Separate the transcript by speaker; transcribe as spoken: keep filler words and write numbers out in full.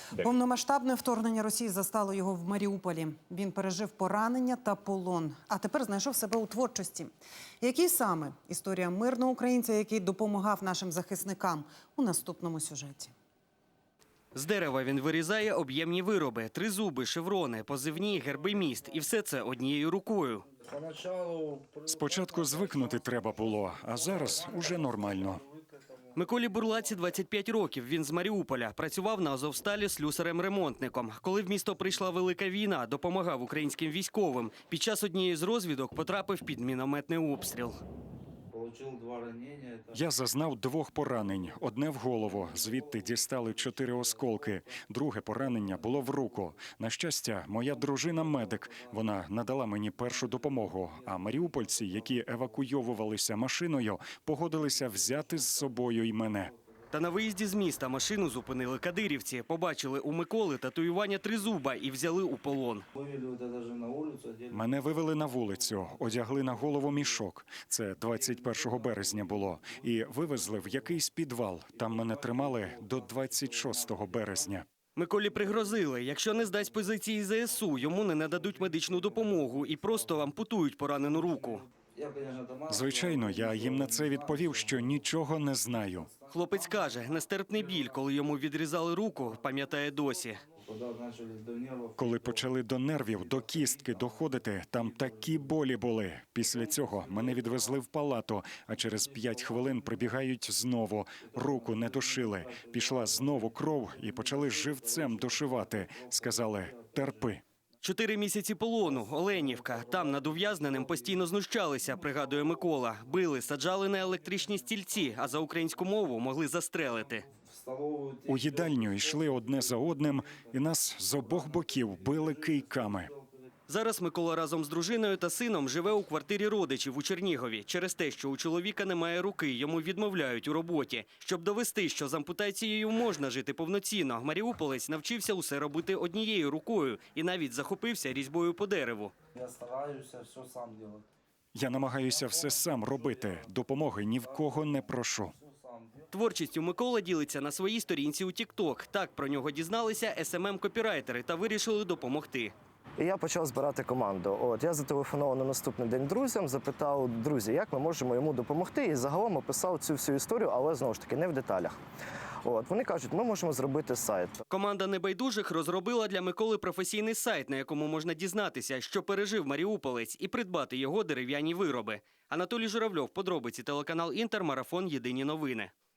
Speaker 1: Повномасштабне вторгнення Росії застало його в Маріуполі. Він пережив поранення та полон, а тепер знайшов себе у творчості. Який саме? Історія мирного українця, який допомагав нашим захисникам, у наступному сюжеті.
Speaker 2: З дерева він вирізає об'ємні вироби, тризуби, шеврони, позивні, герби міст. І все це однією рукою.
Speaker 3: Спочатку звикнути треба було, а зараз уже нормально.
Speaker 2: Миколі Бурлаці двадцять п'ять років. Він з Маріуполя. Працював на Азовсталі слюсарем-ремонтником. Коли в місто прийшла велика війна, допомагав українським військовим. Під час однієї з розвідок потрапив під мінометний обстріл.
Speaker 3: Я зазнав двох поранень. Одне в голову. Звідти дістали чотири осколки. Друге поранення було в руку. На щастя, моя дружина – медик. Вона надала мені першу допомогу. А маріупольці, які евакуйовувалися машиною, погодилися взяти з собою і мене.
Speaker 2: Та на виїзді з міста машину зупинили кадирівці. Побачили у Миколи татуювання тризуба і взяли у полон.
Speaker 3: Мене вивели на вулицю, одягли на голову мішок. Це двадцять першого березня було. І вивезли в якийсь підвал. Там мене тримали до двадцять шостого березня.
Speaker 2: Миколі пригрозили, якщо не здасть позиції зе ес у, йому не нададуть медичну допомогу і просто ампутують поранену руку.
Speaker 3: Звичайно, я їм на це відповів, що нічого не знаю.
Speaker 2: Хлопець каже, нестерпний біль, коли йому відрізали руку, пам'ятає досі.
Speaker 3: Коли почали до нервів, до кістки доходити, там такі болі були. Після цього мене відвезли в палату, а через п'ять хвилин прибігають знову. Руку не дошили. Пішла знову кров і почали живцем дошивати. Сказали «терпи».
Speaker 2: Чотири місяці полону, Оленівка. Там над ув'язненим постійно знущалися, пригадує Микола. Били, саджали на електричні стільці, а за українську мову могли застрелити.
Speaker 3: У їдальню йшли одне за одним, і нас з обох боків били кийками.
Speaker 2: Зараз Микола разом з дружиною та сином живе у квартирі родичів у Чернігові. Через те, що у чоловіка немає руки, йому відмовляють у роботі. Щоб довести, що з ампутацією можна жити повноцінно, маріуполець навчився усе робити однією рукою і навіть захопився різьбою по дереву.
Speaker 4: Я стараюся все сам робити.
Speaker 3: Я намагаюся все сам робити. Допомоги ні в кого не прошу.
Speaker 2: Творчістю Микола ділиться на своїй сторінці у тік-ток. Так про нього дізналися ес ем ем-копірайтери та вирішили допомогти.
Speaker 4: І я почав збирати команду. От я зателефонував на наступний день друзям, запитав, друзі, як ми можемо йому допомогти. І загалом описав цю всю історію, але знову ж таки не в деталях. От вони кажуть, ми можемо зробити сайт.
Speaker 2: Команда небайдужих розробила для Миколи професійний сайт, на якому можна дізнатися, що пережив маріуполець, і придбати його дерев'яні вироби. Анатолій Журавльов, подробиці, телеканал Інтер, марафон «Єдині новини».